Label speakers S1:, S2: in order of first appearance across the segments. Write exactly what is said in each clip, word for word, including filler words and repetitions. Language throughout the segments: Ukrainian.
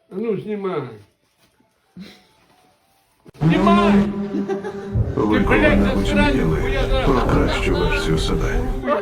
S1: А ну, знімай. Знімай!
S2: Ви коли мріяли про кращу версію себе.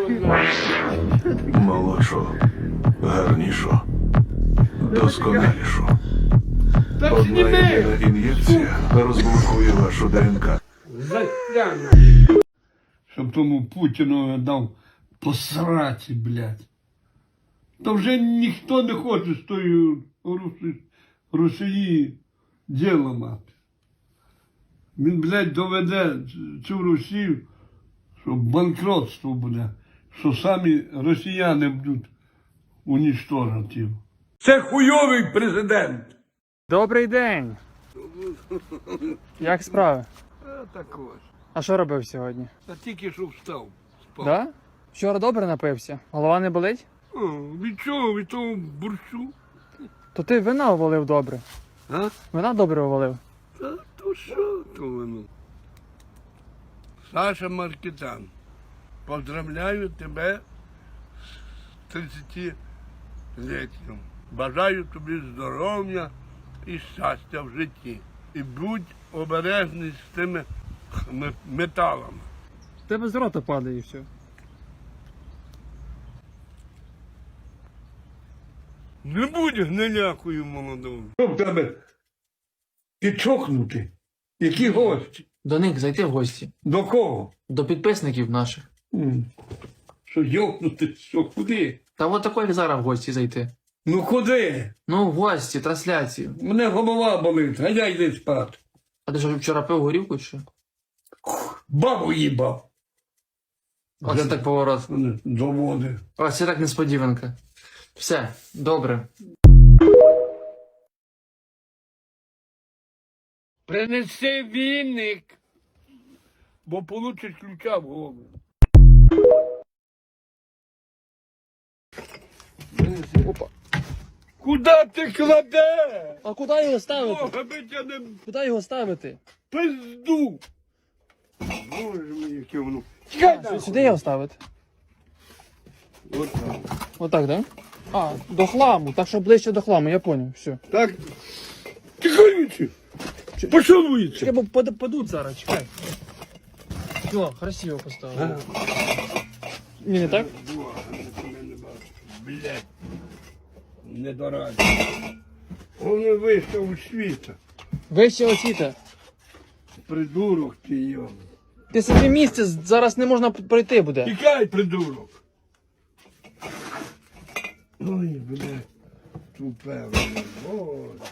S2: Молодшу, гарнішу, досконалішу.
S1: Так
S2: Одна
S1: зніми!
S2: єдина ін'єкція розблокує вашу ДНК.
S1: Затягну. Щоб тому Путіну дав посраці, блядь. Та вже ніхто не хоче з тою Русі... Росії діло мати. Він, блядь, доведе цю Росію, що банкротство буде, що самі росіяни будуть унічтожити. Це хуйовий президент.
S3: Добрий день! Як справи?
S1: А так ось.
S3: А що робив сьогодні?
S1: Та тільки що встав. Спав.
S3: Да? Вчора добре напився? Голова не болить?
S1: О, від чого? Від того борщу?
S3: То ти вина увалив добре.
S1: А?
S3: Вина добре увалив.
S1: Та то що то воно? Саша Маркітан, поздравляю тебе з тридцятиліттям. Бажаю тобі здоров'я і щастя в житті. І будь обережний з тими м- металами.
S3: В тебе з рота падає і все.
S1: Не будь гнилякою молодою. Що в тебе? Ти чокнутий? Які гості?
S4: До них зайти в гості.
S1: До кого?
S4: До підписників наших.
S1: М. Що йокнути? Що куди?
S4: Та от такої як зараз в гості зайти.
S1: Ну куди?
S4: Ну, в гості, трансляцію.
S1: Мене голова болить, а я йди спати.
S4: А ти що вчора пив горівку чи що?
S1: Бабу їбав.
S4: Оце так поворот.
S1: Доводи.
S4: Оце так несподіванка. Все, добре.
S1: Принеси віник, бо получиш ключа в голову. Принеси.
S3: Опа.
S1: Куда ти кладеш?
S3: А куди його ставити?
S1: Бога би тебе не
S3: Куди його ставити?
S1: пизду. Боже мій, яке воно. Чекай
S3: А,
S1: там.
S3: сюди його ставити?
S1: От так.
S3: Отак, так? Да? А, до хламу, так що ближче до хламу, я зрозумів, все.
S1: Так. Тихонючи. Поцілується.
S3: Чекай, бо пад- падуть зараз, чекай. Все, красиво поставив. Ні, не так?
S1: Блять. Не дораді. Воно вийшов у світа.
S3: Вище освіта.
S1: Придурок ти його.
S3: Ти собі місце зараз не можна пройти буде.
S1: Тікай, придурок. Ой, блядь. Тупе, воно, боже.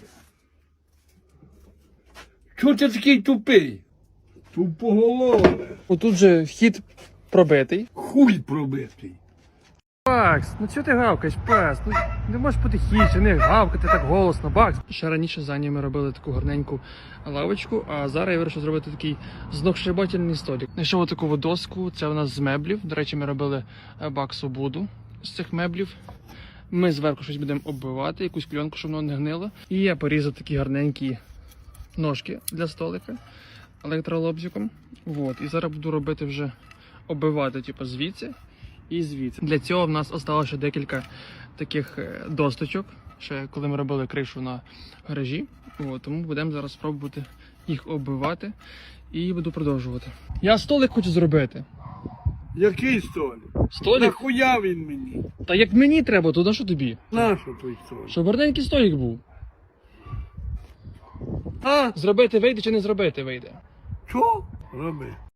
S1: Чого ти такий тупий? Тупоголове.
S3: Отут же вхід пробитий.
S1: Хуй пробитий.
S3: Бакс, ну чого ти гавкаєш, пес? Ну не можеш потихіше, не гавкати так голосно, Бакс. Ще раніше за ними робили таку гарненьку лавочку, а зараз я вирішив зробити такий знохшибательний столик. Знайшов таку доску, це у нас з меблів. До речі, ми робили Баксу буду з цих меблів. Ми зверху щось будемо оббивати, якусь кльонку, щоб воно не гнило. І я порізав такі гарненькі ножки для столика електролобзиком. Вот. І зараз буду робити вже оббивати, типу, звідси і звідси. Для цього в нас залишилося ще декілька таких досточок, ще коли ми робили кришу на гаражі. От, тому будемо зараз спробувати їх оббивати і буду продовжувати. Я столик хочу зробити.
S1: Який столик?
S3: Столик?
S1: Нахуя він мені?
S3: Та як мені треба, то на що тобі?
S1: Нащо той столик?
S3: Щоб гарненький столик був.
S1: А?
S3: Зробити вийде чи не зробити вийде?
S1: Що? Роби.